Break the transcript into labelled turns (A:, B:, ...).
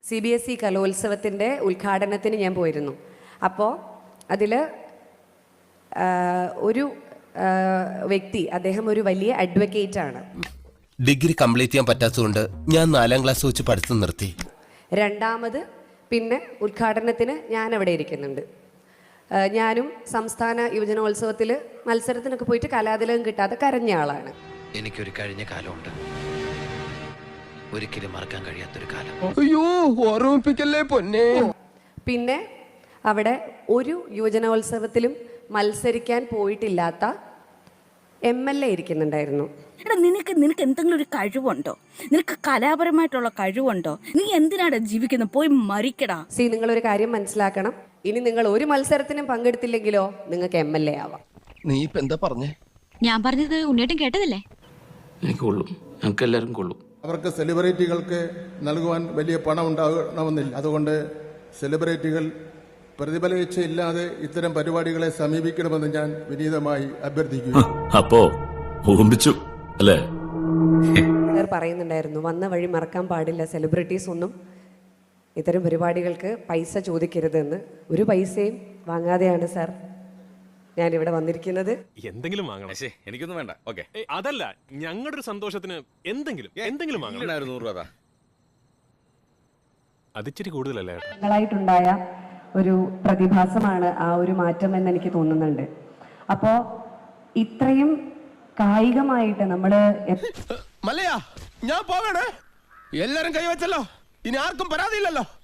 A: CBSE കലോത്സവത്തിൻ്റെ ഉദ്ഘാടനത്തിന് ഞാൻ പോയിരുന്നു. അപ്പോൾ അതിൽ ഒരു വ്യക്തി, അദ്ദേഹം ഒരു വലിയ അഡ്വക്കേറ്റ് ആണ്.
B: ഡിഗ്രി കംപ്ലീറ്റ് ചെയ്യാൻ പറ്റാത്തതുകൊണ്ട് ഞാൻ 4ാം ക്ലാസ് വെച്ച് പഠിത്തം നിർത്തി.
A: രണ്ടാമത് പിന്നെ ഉദ്ഘാടനത്തിന് ഞാൻ അവിടെ ഇരിക്കുന്നുണ്ട്. ഞാനും സംസ്ഥാന യുവജനോത്സവത്തിൽ മത്സരത്തിനൊക്കെ പോയിട്ട് കലാതിലകം കിട്ടാതെ കരഞ്ഞ ആളാണ്.
C: എനിക്കൊരു കഴിഞ്ഞ കാലമുണ്ട്, ഒരിക്കലും മറക്കാൻ കഴിയാത്തൊരു കാലം.
B: അയ്യോ, ഓർമ്മിപ്പിക്കല്ലേ പൊന്നെ.
A: പിന്നെ അവിടെ ഒരു യുവജനോത്സവത്തിലും മത്സരിക്കാൻ പോയിട്ടില്ലാത്ത MLA ഇരിക്കുന്നുണ്ടായിരുന്നു.
D: എടാ, നിനക്ക് എന്തെങ്കിലും ഒരു കഴിവുണ്ടോ? നിനക്ക് കലാപരമായിട്ടുള്ള കഴിവുണ്ടോ? നീ എന്തിനാടാ ജീവിക്കുന്നത്? പോയി മരിക്കടാ.
A: നിങ്ങളൊരു കാര്യം മനസ്സിലാക്കണം, ഇനി നിങ്ങൾ ഒരു മത്സരത്തിനും പങ്കെടുത്തില്ലെങ്കിലോ നിങ്ങൾക്ക് MLA ആവാം.
B: നീ ഇപ്പൊ എന്താ പറഞ്ഞേ?
E: ഞാൻ പറഞ്ഞത് ഉണ്ണിയേട്ടൻ കേട്ടതല്ലേ?
F: എനിക്ക് കൊള്ളും, ഞങ്ങൾക്ക് എല്ലാവരും കൊള്ളും.
G: അവർക്ക് സെലിബ്രിറ്റികൾക്ക് നൽകുവാൻ വലിയ പണം ഉണ്ടാകണമെന്നില്ല. അതുകൊണ്ട് സെലിബ്രിറ്റികൾ പ്രതിഫലേച്ഛയില്ലാതെ ഇത്തരം പരിപാടികളെ സമീപിക്കണമെന്ന് ഞാൻ വിനീതമായി അഭ്യർത്ഥിക്കുന്നു.
F: അപ്പോ ഊമ്പിച്ചു അല്ലേ?
A: സാർ പറയുന്നുണ്ടായിരുന്നു, വന്ന വഴി മറക്കാൻ പാടില്ല, സെലിബ്രിറ്റീസ് ഒന്നും ഇത്തരം പരിപാടികൾക്ക് പൈസ ചോദിക്കരുതെന്ന്. ഒരു പൈസയും വാങ്ങാതെയാണ് സാർ ഞാനിവിടെ വന്നിരിക്കുന്നത്.
H: എന്തെങ്കിലും വാങ്ങണം.
F: എനിക്കൊന്നും വേണ്ട. ഓക്കെ,
H: അതല്ല, ഞങ്ങളുടെ ഒരു സന്തോഷത്തിന് എന്തെങ്കിലും വാങ്ങണം.
F: 100 രൂപ.
H: അതിച്ചിരി കൂടുതലല്ലേ?
A: ായിട്ടുണ്ടായ ഒരു പ്രതിഭാസമാണ് ആ ഒരു മാറ്റം എന്ന് എനിക്ക് തോന്നുന്നുണ്ട്. അപ്പോൾ ഇത്രയും കായികമായിട്ട് നമ്മള്
B: മല്ലയാ, ഞാൻ പോകണേ. എല്ലാരും കൈവച്ചല്ലോ, ഇനി ആർക്കും പരാതിയില്ലല്ലോ.